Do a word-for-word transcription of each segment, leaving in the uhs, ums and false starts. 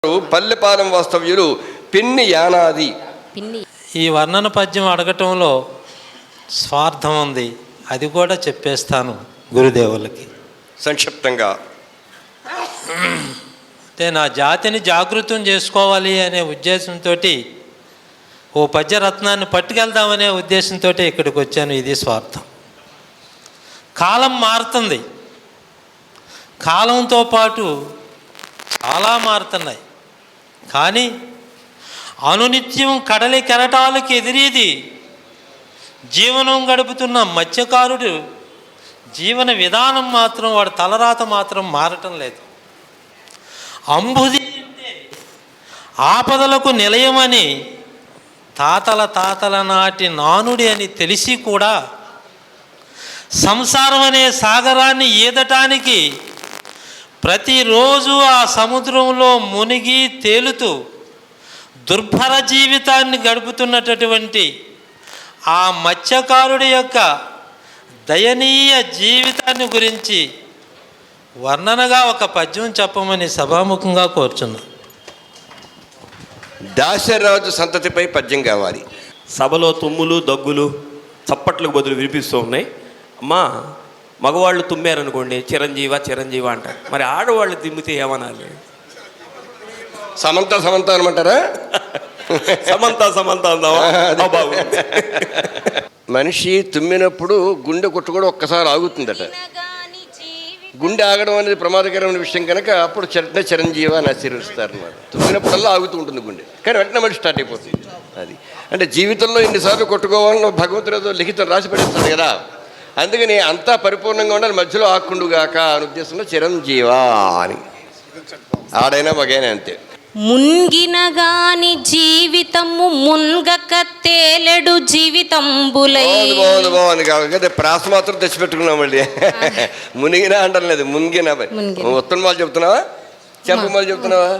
పల్లెపాలెం వాస్తవ్యులు పిన్ని యానాది. ఈ వర్ణన పద్యం అడగటంలో స్వార్థం ఉంది, అది కూడా చెప్పేస్తాను గురుదేవులకి సంక్షిప్తంగా. అంటే నా జాతిని జాగృతం చేసుకోవాలి అనే ఉద్దేశంతో ఓ పద్యరత్నాన్ని పట్టుకెళ్దామనే ఉద్దేశంతో ఇక్కడికి వచ్చాను. ఇది స్వార్థం. కాలం మారుతుంది, కాలంతో పాటు చాలా మారుతున్నాయి. కానీ అనునిత్యం కడలి కెరటాలకు ఎదిరేది జీవనం గడుపుతున్న మత్స్యకారుడు జీవన విధానం మాత్రం, వాడు తలరాత మాత్రం మారటం లేదు. అంబుది అంటే ఆపదలకు నిలయమని తాతల తాతల నాటి నానుడి అని తెలిసి కూడా సంసారం అనే సాగరాన్ని ఈదటానికి ప్రతిరోజు ఆ సముద్రంలో మునిగి తేలుతూ దుర్భర జీవితాన్ని గడుపుతున్నటువంటి ఆ మత్స్యకారుడి యొక్క దయనీయ జీవితాన్ని గురించి వర్ణనగా ఒక పద్యం చెప్పమని సభాముఖంగా కోరుచున్నా. దాశరాజు సంతతిపై పద్యం కావాలి. సభలో తుమ్ములు దగ్గులు చప్పట్లకు బదులు వినిపిస్తూ ఉన్నాయి. అమ్మా, మగవాళ్ళు తుమ్మారనుకోండి చిరంజీవ చిరంజీవ అంటారు, మరి ఆడవాళ్ళు తుమ్మితే ఏమనాలి? సమంత సమంత అనమంటారా? సమంత సమంత అందావా? బాబు, మనిషి తుమ్మినప్పుడు గుండె కొట్టుకోవడం ఒక్కసారి ఆగుతుందట. గుండె ఆగడం అనేది ప్రమాదకరమైన విషయం కనుక అప్పుడు చిరంజీవ చిరంజీవ అని ఆశీర్వదిస్తారు అన్నమాట. తుమ్మినప్పుడల్లా ఆగుతూ ఉంటుంది గుండె, కానీ వెంటనే మళ్ళీ స్టార్ట్ అయిపోతుంది. అది అంటే జీవితంలో ఎన్నిసార్లు కొట్టుకోవాలని భగవంతుడు ఏదో లిఖితం రాసి పెడతాడు కదా. అందుకని అంతా పరిపూర్ణంగా ఉండాలి, మధ్యలో ఆకుండుగాక అని ఉద్దేశంలో చిరంజీవా అని. ఆడైనా మగైనా అంతే. మున్గిన గాని జీవితము మున్గక తేలెడు జీవితంబులై. బాగుంది బాగుంది కాబట్టి ప్రాస మాత్రం తెచ్చిపెట్టుకున్నాం మళ్ళీ. మునిగినా అంటాం లేదు, మునిగిన. ఉత్తరం వాళ్ళు చెప్తున్నావా, చెప్పమాలు చెప్తున్నావా?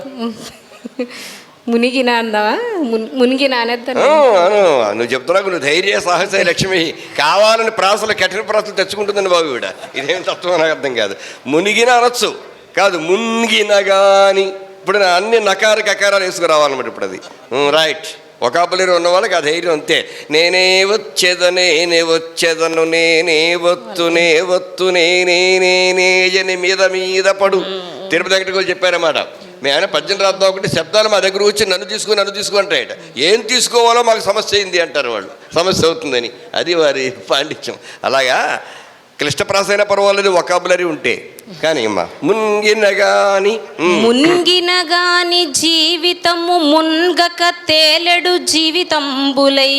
మునిగిన అందావా? మునిగిన అనేద్దా? నువ్వు చెప్తున్నావు, నువ్వు ధైర్య సాహస లక్ష్మి కావాలని ప్రాసలు కఠిన ప్రాసలు తెచ్చుకుంటుందని బాబు ఈవిడ. ఇదేం తత్వం నాకు అర్థం కాదు. మునిగిన అనొచ్చు కాదు, మునిగిన గాని. ఇప్పుడు అన్ని నకార కకారాలు వేసుకురావాలన్నమాట. ఇప్పుడు అది రైట్. ఒకాబులేరు ఉన్న వాళ్ళకి ఆ ధైర్యం అంతే. నేనే వచ్చేదనే నే వచ్చేదను నేనే వత్తు నే వత్తు నేనే నేనే మీద మీద పడు. తిరుపతి దగ్గరికి చెప్పారన్నమాట. మీ ఆయన పద్యం రాద్దాం ఒకటి శబ్దాలు మా దగ్గర వచ్చి నన్ను తీసుకుని నన్ను తీసుకుంటాయట. ఏం తీసుకోవాలో మాకు సమస్య అయింది అంటారు వాళ్ళు, సమస్య అవుతుందని. అది వారి పాండిత్యం. అలాగా క్లిష్టప్రాస అయినా పర్వాలేదు వొకాబులరీ ఉంటే. కానీ అమ్మా మున్గిన గాని మున్గిన గాని జీవితము మున్గక తేలెడు జీవితంబులై.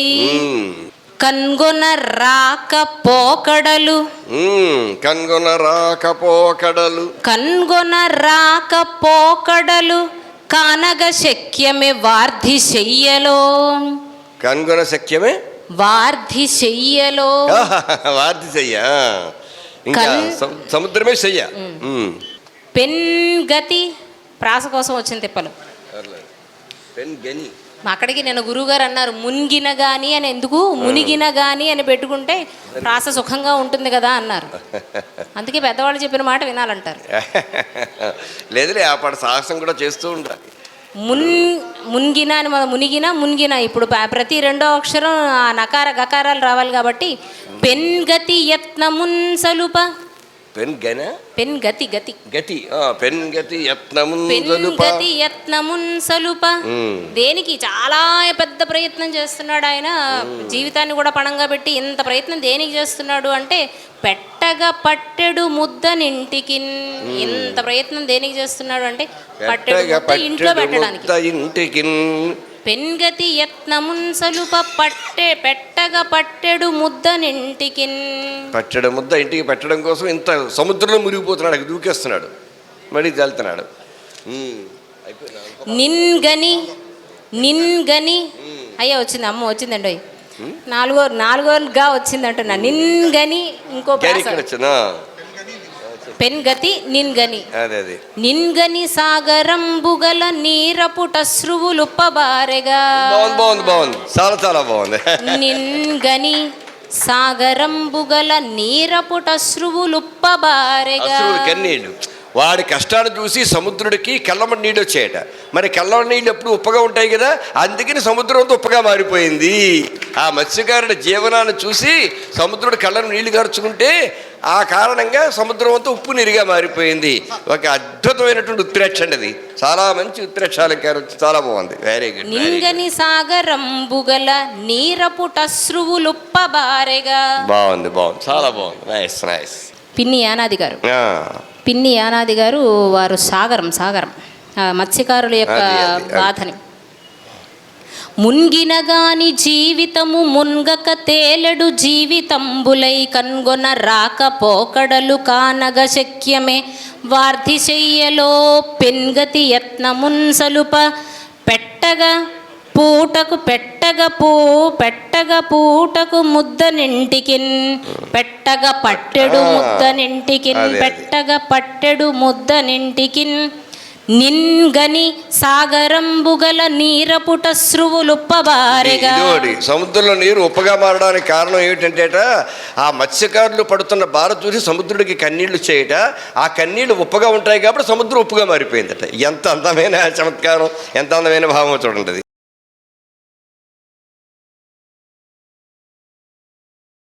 కన్గొన రాక పోకడలు కన్గొన రాక పోకడలు కన్గొన రాక పోకడలు కానగ శక్యమే వార్ధి చెయ్యలో. కన్గొన శక్యమే వార్ధి చెయ్యలో. వార్ధి చెయ్య ఇంకా సముద్రమే చెయ్య. పెన్ గతి ప్రాస కోసం వచ్చిన తిప్పలు. పెన్ గని అక్కడికి నేను గురువుగారు అన్నారు మునిగిన గాని అని. ఎందుకు మునిగిన గాని అని పెట్టుకుంటే ప్రాస సుఖంగా ఉంటుంది కదా అన్నారు. అందుకే పెద్దవాళ్ళు చెప్పిన మాట వినాలంటారు. లేదులే, ఆ పాట సాహసం కూడా చేస్తూ ఉండాలి. మున్ మునిగిన అని మనం మునిగిన మునిగిన. ఇప్పుడు ప్రతి రెండో అక్షరం ఆ నకార గకారాలు రావాలి కాబట్టి పెన్ గతి యత్నమున్ సలుప. పెన్ గన పెన్ గతి గతి గతి పెన్ గతి యత్నమున్ పెన్ గతి యత్నమున్ సలుప. దేనికి చాలా పెద్ద ప్రయత్నం చేస్తున్నాడు ఆయన. జీవితాన్ని కూడా పణంగా పెట్టి ఇంత ప్రయత్నం దేనికి చేస్తున్నాడు అంటే పెట్టగా పట్టెడు ముద్దనింటికి. ఇంత ప్రయత్నం దేనికి చేస్తున్నాడు అంటే పట్టెడు ముద్ద ఇంట్లో పెట్టడానికి. పెన్గతి యత్నమున్ సలుప పట్టె పెట్టగా పట్టెడు ముద్దనింటికి. పట్టెడు ముద్ద ఇంటికి పెట్టడం కోసం ఇంత సముద్రంలో మునిగిపోతున్నాడు, దూకేస్తున్నాడు, మళ్ళీ తేలుతున్నాడు. నిన్గని నిన్గని అయ్యా వచ్చింది, అమ్మ వచ్చిందండి. నాలుగో నాలుగోగా వచ్చింది అంటున్నా. నిన్గని ఇంకో పెన్గతి నిన్గని. నిన్గని సాగరంబుగల నీరపుట శ్రువులుప్పబారెగా. బాగుంది బాగుంది, చాలా చాలా బాగుంది. నిన్గని సాగరంబుగల నీరపుట శ్రువులుప్పబారెగా. కన్నీళ్ళు వాడి కష్టాన్ని చూసి సముద్రుడికి కళ్ళమటి నీళ్ళు వచ్చాయట. మరి కళ్ళమటి నీళ్ళు ఎప్పుడు ఉప్పగా ఉంటాయి కదా, అందుకని సముద్రం అంతా ఉప్పగా మారిపోయింది. ఆ మత్స్యకారుడి జీవనాన్ని చూసి సముద్రుడు కళ్ళను నీళ్లు గార్చుకుంటే ఆ కారణంగా సముద్రం అంతా ఉప్పు నీరుగా మారిపోయింది. ఒక అద్భుతమైనటువంటి ఉత్ప్రేక్ష అండి అది. చాలా మంచి ఉత్ప్రేక్షాలంకారం, చాలా బాగుంది. Very good. నింగని సాగరంబుగల నీరపుటశ్రువులుప్పబారెగా. బాగుంది బాగుంది, చాలా బాగుంది. Nice nice. పిన్ని యానాది గారు ఆ, పిన్ని యానాది గారు వారు సాగరం సాగరం ఆ మత్స్యకారుల యొక్క అది, అది, అది. బాధని. మున్గిన గాని జీవితము మున్గక తేలెడు జీవితంబులై కన్గొన రాక పోకడలు కానగ శక్యమే వార్ధి చెయ్యలో పెన్గతి యత్నమున్ సలుప పెట్టగా పూటకు పెట్టగ పూ పెట్టగ పూటకు ముద్ద నింటికిన్ పెట్టగ పట్టెడు ముద్ద నింటికిన్ అదే, అదే. పెట్టగ పట్టెడు ముద్ద నింటికిన్ నిన్గని సాగరంబుగల నీరపుటశ్రువులుప్పబారెగా. ఇదిగోటి సముద్రంలో నీరు ఉప్పగా మారడానికి కారణం ఏమిటంటేట, ఆ మత్స్యకారులు పడుతున్న బాధ చూసి సముద్రుడికి కన్నీళ్లు చేయట. ఆ కన్నీళ్లు ఉప్పగా ఉంటాయి కాబట్టి సముద్రం ఉప్పుగా మారిపోయిందట. ఎంత అందమైన చమత్కారం, ఎంత అందమైన భావం చూడండి.